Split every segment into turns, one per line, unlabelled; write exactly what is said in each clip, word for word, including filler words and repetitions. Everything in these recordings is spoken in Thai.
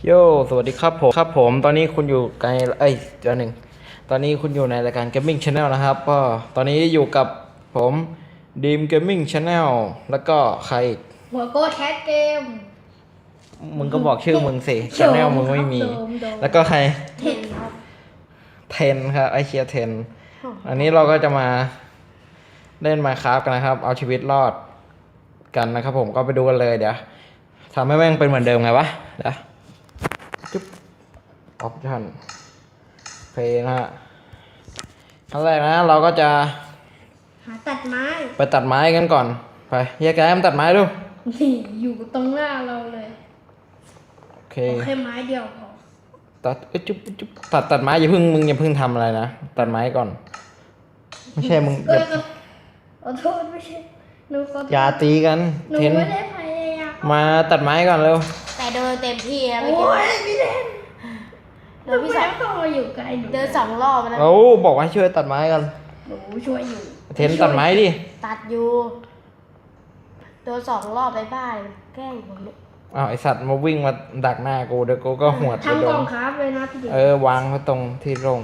โยสวัสดีครับผมครับผมตอนนี้คุณอยู่ในเอ้ยเดี๋ยวหนึ่งตอนนี้คุณอยู่ในรายการ Gaming Channel นะครับก็ตอนนี้อยู่กับผมดีม Gaming Channel แล้วก็ใคร
หัวโก้แคสเกม
มึงก็บอกชื่อมึงสิ Channel มึงไม่มี
โดมโดม
แล้วก็ใคร
เทนครับ
เทนครับไอเชียเทนอันนี้เราก็จะมาเล่น Minecraft กันนะครับ เอาชีวิตรอดกันนะครับผมก็ไปดูกันเลยเดี๋ยวทำให้แม่งเป็นเหมือนเดิมไงวะเดี๋ยวจุ๊บออปชั่นเพลนะฮะขั้นแรกนะเราก็จะ
หาตัดไม้
ไปตัดไม้กันก่อนไปแยกย้ายมันตัดไม้ดู
นี่อยู่ตรงหน้าเราเลย
โอเค
โอเคไม้เดียวพอ
ตัดเอ้ยจุ๊บจุ๊บตัดตัดไม้อย่าเพิ่งมึงอย่าเพิ่งทำอะไรนะตัดไม้ก่อนไม่ใช่มึง
เอ
อย่า
อขอโทษไม่ใช่หนูขอโทษ
อย่าตีกัน
หนู
เทน
ไม่ได้พยายาม
มาตัดไม้ก่อนเร็ว
แต่เดินเต็มที่แล้ว
โอ้
เมื่อกี้
ยพี่เล่น
เดินพี่สอง
ทำไมต้องมาอยู่ไกลหนู
เดินสองรอบแล้ว
โอ้บอกว่าให้ช่วยตัดไม้กัน
หนูช่วยอยู่
เทนตัดไม้ดิ
ตัดอยู่เดินสองรอบไปบ้านแกล้งผมเนี่ย
อ้าวไอสัตว์มาวิ่งมาดักหน้ากูเดี๋ยวกูก็หวดไป
ทำ
โด
กล่อน งครับเลยนะพี่เด็ก
เออวางไว้ตรงที่โร่ง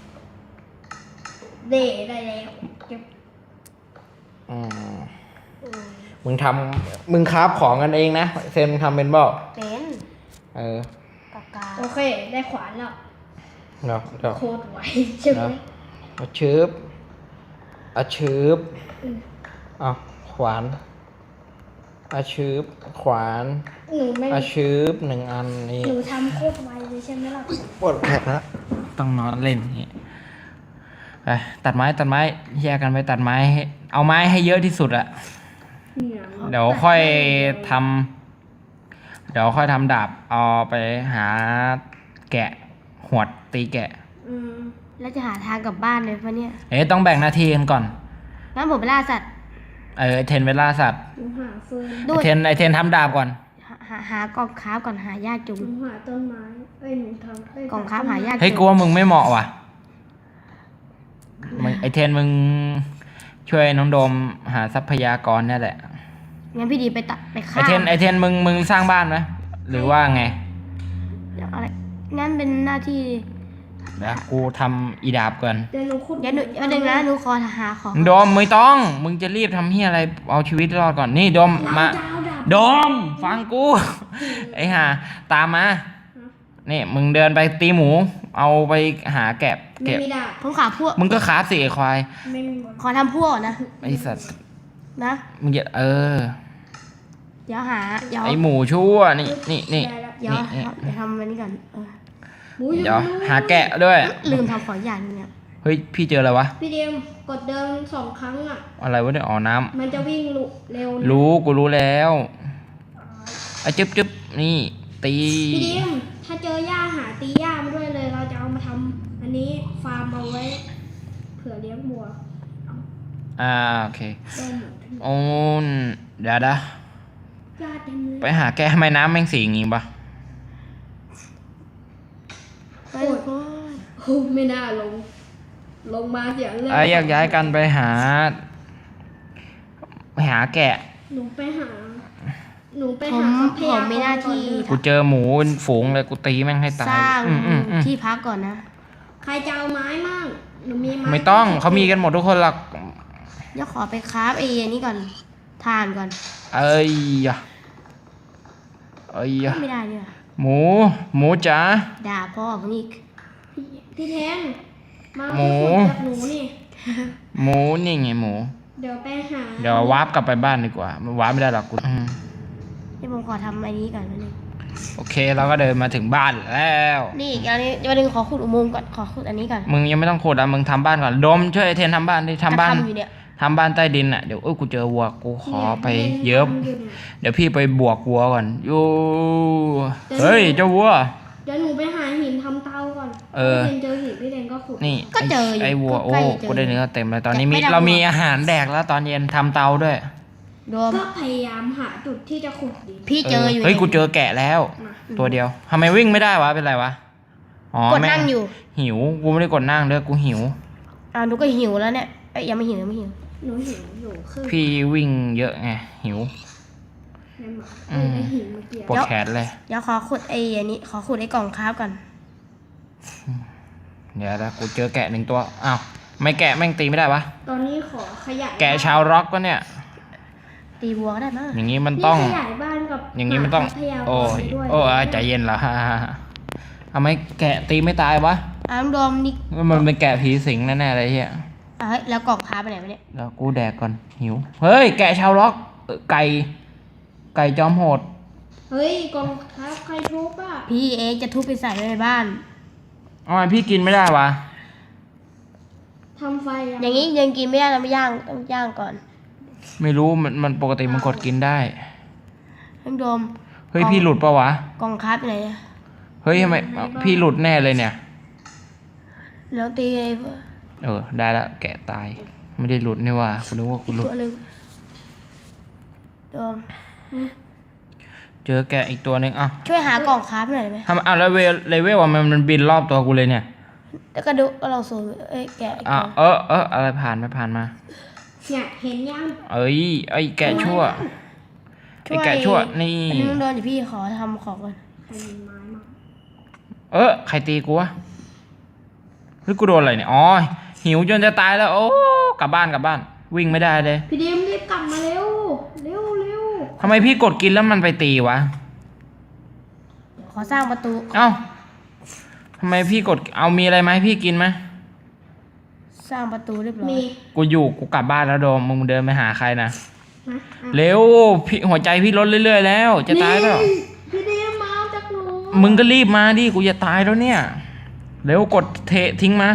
เดได้แล้วเก็บ
อืม
อืม
มึงทำมึงคราฟของกันเองนะเซนมึงทำเป็นบ่า
เป็น
เออ
ปากกา
โอเคได้ขวานแล้ว
เดี๋ยวเดี๋ยว
โคตรไวใช่ไหม
เอาชืบเอาชืบเอาขวานเอาชืบขวาน
หนูไม่
เอาชืบหนึ่งอันนี่
หนูทำโคตรไวเลยใช่ไหมล่ะ
ปวดแผลแล้วต้องนอนเล่นอย่างนี้ไปตัดไม้ตัดไม้แยกกันไปตัดไม้ให้เอาไม้ให้เยอะที่สุดอะ
เนี่ย
เดี๋ยวค่อยทำเดี๋ยวค่อยทำดาบเอาไปหาแกะหวดตีแกะ
อืม
แล้วจะหาทางกลับบ้านเลยปะเนี่ย
เอ๊ะต้องแบ่งหน้าที่กันก่อน
งั้นผมไปล่าสัตว์
เออไอเทนเวลาสัตว์
หนูหาเฟิร์น
ดู
ไอเทนไอเทนทำดาบก่อน
หาหาหากล่องค้าฟก่อนหายากจุง
หนูหาต้นไม้เอ้ยหนูทำเอ้ย
กล่องค้าฟหายาก
เฮ้ย
จุ
กูว่ามึงไม่เหมาะว่ะมึงไอเทนมึงช่วยน้องโดมหาทรัพยากรเนี่ยแหละ
งั้นพี่ดีไปตัดไป
ไอ
ฆ่า
เทนไอเทนมึงมึงสร้างบ้านไหมหรือว่าไง
เดี๋ยวอะไรงั้นเป็นหน้าที่
เดี๋ยวกูทำอีดาบก่อน
เดี๋ยวหนูขุด
เดี๋ยวหนูวันหนึ่งนะหนูขอหาของ
โดมไม่ต้อง มึงจะรีบทำเฮียอะไรเอาชีวิตรอดก่อนนี่โดมมา
ดาวดาว
โดมฟังกู ไอ้ห่าตามมานี่มึงเดินไปตีหมู เอาไปหาแกะ
ไม่
เก็บ
มีดาบ
ผมขาพวก
มึงก็ขาสิไอ้ควาย
ไม่มีบอล
ขอทำพวกก่อนนะ
ไอสัตว์
นะ
มึงอย่าเออ
เดี๋ยวหาเดี๋ยว
ไอหมูชั่วนี่นี่นี่
ได้แล้ว
เดี๋ยว
นี่นี่
เดี๋ยวทำอันนี้ก่อนเออ
หมูอยู่
เดี๋ยว
นู่น
หาแกะด้วย
ลืมทำของอย่างหนึงเนี่ย
เฮ้ยพี่เจออะไรวะ
พี่เดียมกดเดินสองครั้งอ่ะ
อะไรวะเนี่ยอ๋อน้ำ
มันจะวิ่งลุเร็วนะ
รู้กูรู้แล้วไอ้จึ๊บจึ๊บนี่ตี
พี่เดียมถ้าเจอหญ้าหาตีหญ้ามาด้วยเลย เราจะเอามาทำอันนี้ฟาร์มเอาไว้ เผื่อเลี้ยงบัว
อ่าโอเค
ได้หมด
โอ้นเดี๋ยวนะ
หญ้าเต็มเลย
ไปหาแกะทำไมน้ำแม่งสีอย่างงี้ปะ
ไปทุกคน
โอ้ไม่น่าลง ลงมาเสียงเลย
ไอ้แยกย้ายกันไปหา ไปหาแกะ
หนูไปหา หนูไป
ผ
หาม ทรัพ
ผ
ย
มมีหน้าที่
ก่อ
กูเจอหมูเป็นฝูงเลยกูตีแม่งให้ตาย
สร้าง
อืมอืมอืม
ที่พักก่อนนะ
ใครจะเอาไม้มั่งหนูมีไม้
ไม่ต้องเขามีกันหมดทุกคนหรอก
เดี๋ยวขอไปคราฟไอ้อันนี้ก่อนทานก่อน
เอ้ยยะเอ้ยยะ
ไม่ได้เนี่ย
หมู หมูจ๋า
ด่าพ่อผมอีก
พี่พี่แทนมา
หมู
ขุดกับหนูนี่
หมูนี่ไงหมู
เดี๋ยวไปหา
เดี๋ยววาร์ปกลับไปบ้านดีกว่ามันวาร์ปไม่ได้หรอกกูอืม
ที่ผมขอทำอันนี้ก่อนนิดนึง
โอเคเราก็เดินมาถึงบ้านแล้ว
นี่อีกอันนี้วันหนึงขอขุดอุโมงค์ก่อนขอขุดอันนี้ก่อน
มึงยังไม่ต้องขุดอ่ะมึงทำบ้านก่อนโดมช่วยไอ้เทนทำบ้านดิทำบ้าน
จะทำอยู่เนี่ย
ทำบ้านใต้ดินอ่ะเดี๋ยวเอ้ยกูเจอวัวกูขอไปเยิบ
นี่
เดี๋ยวพี่ไปบวกวัวก่อนยูเฮ้ยเจ้าวัว
เดี๋ยวหนูไปหาหินทำเตาก่อน
เออ
พี่เจอหินพี่แดงก็ขุด
นี่
ก็เจออยู่
ไอ้วัวโอ้
ใกล้จะเจอ
กูได้เนื้อเต็มเลยตอนนี้มี
ไม่ได้
เรา
วัว
มีอาหารแดกแล้วตอนเย็นทำเตาด้วย
รวม
ก็พยายามหาจุดที่จะขุดดิน
พี่เจออยู่
เฮ้ย
นี่
กูเจอแกะแล้ว
มา
ตัวเดียวทำไมวิ่งไม่ได้วะเป็นไรวะอ๋อก
ด
แม่
นั่งอยู่
หิวกูไม่ได้กดนั่งด้วยกูหิว
อ่าหนูก็หิวแล้วเนี่ยเอ้ยยังไม่หิวยังไม่หิว
หนูหิวอยู่คือ
พี่วิ่งเยอะไงหิว
ในหมาเอ้ยในหินเมื่อกี้
ปวดแขนเลย
เดี๋ยวขอขุดไอ้อันนี้ขอขุดไอ้กล่องคราฟก่อน
เดี๋ยวนะกูเจอแกะหนึ่งตัวอ้าวไม่แกะแม่งตีไม่ได้วะ
ตอนนี้ขอขยาย
แกะชาวร็อกก็เนี่ย
ตีวัวก็ได้มั้ง
อย่างนี้มันต้อง
นี่ขยายบ้านกับ
อย่างนี้มันต้อง
หพัทยา
โอ้ย
ด้วย
โอ้ยใจเย็นเหรอ ทำไมแกะตีไม่ตายวะ
อ้ามโดมนี่
มันเป็นแกะผีสิงแน่ๆเลยเฮีย
อ่ะเฮ้ยแล้วกล่องคราฟไปไหนวะเนี่ย
แล้วกูแดกก่อนหิว เฮ้ย แกะชาวล็อกเอ่อไก่ ไก่จอมโหด
เฮ้ยกองทัพใครทุบอ่ะ
พี่เองจะทุบไปใส่ไว้ในบ้าน
ทำไมพี่กินไม่ได้วะ
ทำไฟอะ
อย่างนี้ยังกินไม่ได้เราไม่ย่างต้องย่างก่อน
ไม่รู้มันมันปกติมันกดกินได้
อ้ามโดม
เฮ้ยพี่หลุดปะวะ
กล่องคราฟไปไหนอะ
เฮ้ยทำไมพี่หลุดแน่เลยเนี่ย
แล้วตีไอ้
เออได้ละแกะตาย ไม่ได้หลุดนี่ว่าคุณนึกว่ากูหลุด
ตัวหนึงโดม
เจอแกะอีกตัวหนึ่งอ่ะ
ช่วยหากล่องคราฟหน่อยได้ไหม
ทำอ่ะแล้วเวลเลเวลอ่ะมันมันบินรอบตัวกูเลยเนี่ย
แล้วก็ดูก็เราสูงเอ้ยแกะอีก
อ่ะ
ตัว
เออเอออะไรผ่านไม่ผ่านมา
เนี่ยเห็นยัง
เอ้ยไอ้แกะชั่วไอ้แกะชั่วนี่
อันนี้มึงโดนเดี๋ยวพี่ขอทำของก่อน
ใครมีไม้มา
เออใครตีกูวะหรือกูโดนอะไรเนี่ยอ๋อหิวจนจะตายแล้ว โอ้กลับบ้านกลับบ้าน วิ่งไม่ได้เลย
พี่ดิมรีบกลับมาเร็วเร็วเร็ว
ทำไมพี่กดกินแล้วมันไปตีวะ
ขอสร้างประตู
เอ้าทำไมพี่กดเอามีอะไรไหมพี่กินไหม
สร้างประตูเรียบร้อย
มี
กูอยู่กูกลับบ้านแล้วโดมมึงเดินไปหาใครนะ
นะอ่ะ
เร็วพี่หัวใจพี่ลดเรื่อยๆแล้ว จะตายแล้ว
นี่พี่ดิมมาเอาจากหนู
มึงก็รีบมาดิกูจะตายแล้วเนี่ยเร็วกดเททิ้งมา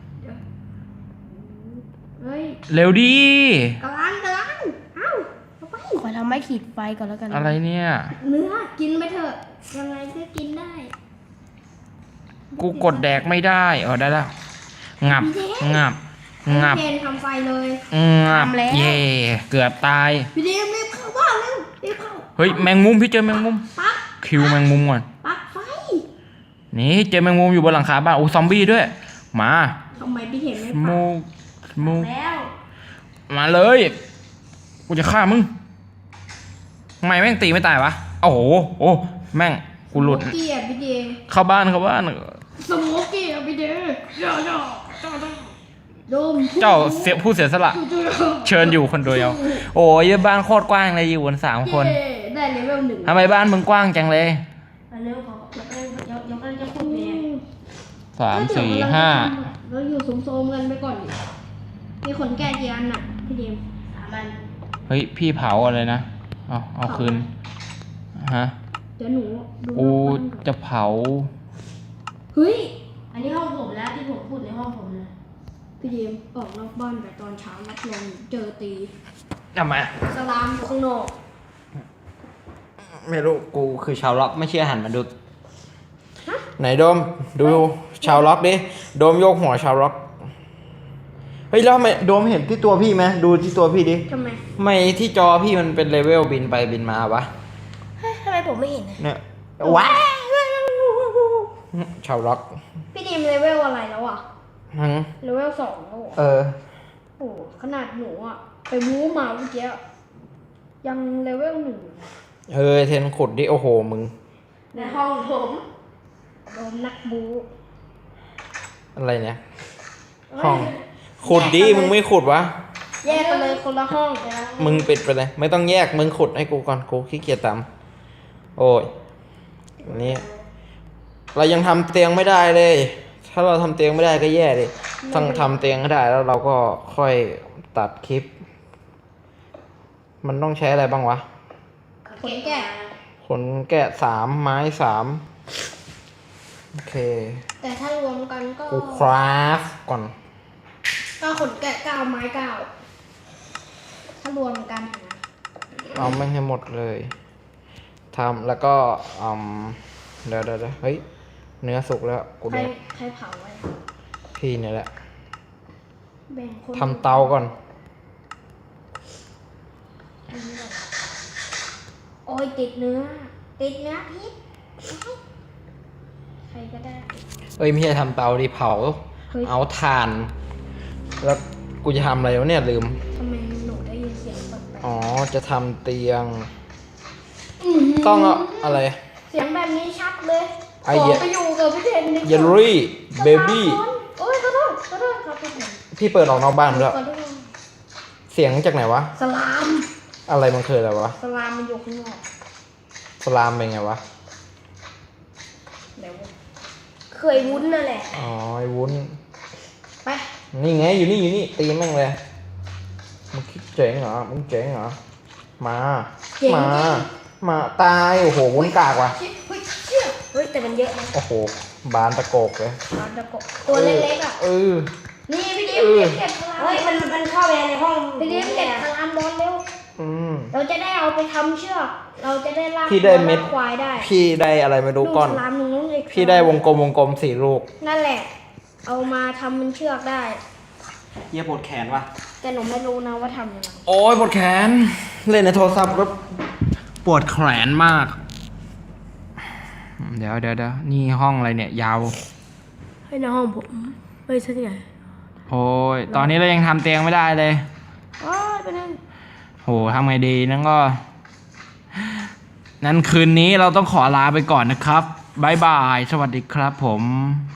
เฮ้ย
เร็วดิ
กำลังกำลังเอ้าเอาไป
ขอทำไม้ขีดไฟก่อนแล้วกัน
อะไรเนี่ย
เนื้อกินไปเถอะยังไงก็กินได้
กูกดแดกไม่ได้เออได้แล้วงับงับงับ
เทนทำไฟเลย
งับเย่เกือบตาย
พี่ดิมรีบเข้าบ้านเร็วรีบเข้า
เฮ้ยแมงมุมพี่เจอแมงมุม
ปัก
คิวแมงมุมก่อน
ปักไฟ
นี่เจอแมงมุมอยู่บนหลังคาบ้านโอ้ซอมบี้ด้วยมา
ทำไมพี่เห็นไม่ปั
มู
ก
มู
แล้ว
มาเลยกูจะฆ่ามึงทำไมแม่งตีไม่ตายวะโอ้โหโอ้แม่งกูหลุด
สโมกี้อ่ะพี่เดย์
เข้าบ้านเข้าบ้าน
สโมกี้อ่ะพี่เดย์ย่าย่าจ้าจ้าโดม
เจ้าเสียผู้เสียสละ เชิญอยู่คนเดียวโอ้ยบ้านโคตรกว้างเลยอยู่กันสามคน
เย้ได้เลเวลหนึ่ง
ทำไมบ้านมึงกว้างจังเลย
อันนี้ขอยกเล่นยกยกเล่นจะพูดเนี่ย
สามสี่ห้า
เราอยู่สมโซมๆกันไปก่อนดิมีขนแก่กี่อันน่ะพี่เดม
สามอัน
เฮ้ยพี่เผาอะไรนะเอาเอาคืนฮะ
เดี๋ยวหนูดู
กู
รอบบ้านก่อน
จะเผา
เฮ้ย
อันนี้ห้องผมแล้วที่ผมพูดในห้องผมนะ
พี่เดมออกนอกบ้านแต่ตอนเช้ารับรองเจอตี
ทำไม
สลามอยู่ข้างนอก
ไม่รู้กูคือชาวล็อกไม่เชื่อหันมาดูไหนโดมดูชาวล็อกดิโดมโยกหัวชาวล็อกเฮ้ยแล้วทำไมโดมเห็นที่ตัวพี่ไหมดูที่ตัวพี่ดิ
ทำไม
ทำไมที่จอพี่มันเป็นเลเวลบินไปบินมาวะ
เฮ้ยทำไมผมไม่เห็นนะ
เนี่ยว้าชาวล็อก
พี่เดมเลเวลอะไรแล้วอ่ะ
ทั้ง
เลเวลสองแล้วเหรอ
เออ
โอ้โหขนาดหนูอ่ะไปวูมาเมื่อกี้อะยังเลเวลหนึ่ง
เออเทนขุดดิโอ้โหมึง
ในห้องผมโดนนักบู
อะไรเนี่ยห้องขุดดิมึงไม่ขุดวะ
แยกกันเลยคนละห้อง
มึงปิดไปเลย ไม่ต้องแยกมึงขุดให้กูก่อนกูขี้เกียจตามโอ้ยอันนี้เรายังทำเตียงไม่ได้เลย ถ้าเราทำเตียงไม่ได้ก็แย่ดิต้องทำเตียงให้ได้แล้วเราก็ค่อยตัดคลิป มันต้องใช้อะไรบ้างวะ
ขนแกะ
ขนแกะสามไม้สามโอเค
แต่ถ้ารวมกันก็
กูคราฟก่อน
ก็ขนแกะเก้าไม้เก้าถ้ารวมกันนะ
เอาไม่ให้หมดเลยทำแล้วก็อืมเดี๋ยวเดี๋ยวเดี๋ยวเฮ้ยเนื้อสุกแล้วกู
ใคร
เดี๋ยว
ใครเผาไว้
พี่เนี่ยแหละ
แบ่งคน
ทำเตาก่อน
โอ้ยติดเนื้อ ติดเนื้อพิษใครก็ได้
เอ้ยไม่ใช่ทำเตาดิเผา
เฮ้ย
เอาถ่าน แล้วกูจะทำอะไรวะเนี่ยลืม
ทำไมหนูได้ยินเสียงแปลก
อ๋อจะทำเตียง
ๆ
ต้องเอาอะไร
เสียงแบบนี้ชัดเลย
ไอ้
ขอ
เหี้ย
ไปอยู่กับพี่เทนดีกว่า
เยลลี่เบบี้
โอ้ยขอโทษขอโทษครับพี่เทน
พี่เปิดออกนอกบ้านด้วย
ขอโทษ
เสียงจากไหนวะ
สลาม
อะไรมันคืออะไรวะ
สลามมันอยู่ข้างนอก
สลามเป็นไงวะ
เดี๋ยวเคยวุ้นนั่นแหละ
อ๋อไอ้วุ้น
ไป
นี่ไงอยู่นี่อยู่นี่ตีแม่งเลยมึงคิดเจ๋งเหรอมึงเจ๋งเหรอมา
เจ๋ง
มา มาตายโอ้โหวุ้นกากว่ะ
เฮ้ยเชี่ยเฮ้ยแต่มันเยอะนะ
โอ้โหบานตะโกกเลย
ปลาตะกบตัวเล็กๆอ่ะ
เออ
นี่พี่ดิม
เออ
เก็บสลาม
เฮ้ยมันมันเข้าไปในห้อง
พี่ดิมเก็บสลามบอลเร็ว
อืม
เราจะได้เอาไปทำเชือก เราจะได้ลาก
พี่ได้เม็ด
ลากควายได้
พี่ได้อะไรไม่รู้ก้อน
ลูสลามหนึ่งน้องเล็ก
พี่ได้วงกลมวงกลมสี่ลูก
นั่นแหละ เอามาทำเป็นเชือกได้
เยี่ยปวดแขนว่ะ
แต่หนูไม่รู้นะว่าทำยังไง
โอ้ยปวดแขน เล่นในโทรศัพท์ก็ปวดแขนมาก เดี๋ยวเดี๋ยวเดี๋ยวนี่ห้องอะไรเนี่ย ยาว
ให้ในห้องผมเฮ้ยใช่ไง
โอ้ยตอนนี้เรายังทำเตียงไม่ได้เลย
อ๋อเป็นนั่น
โหทำไงดีนั่นก็ นั้นคืนนี้เราต้องขอลาไปก่อนนะครับบายบาย สวัสดีครับผม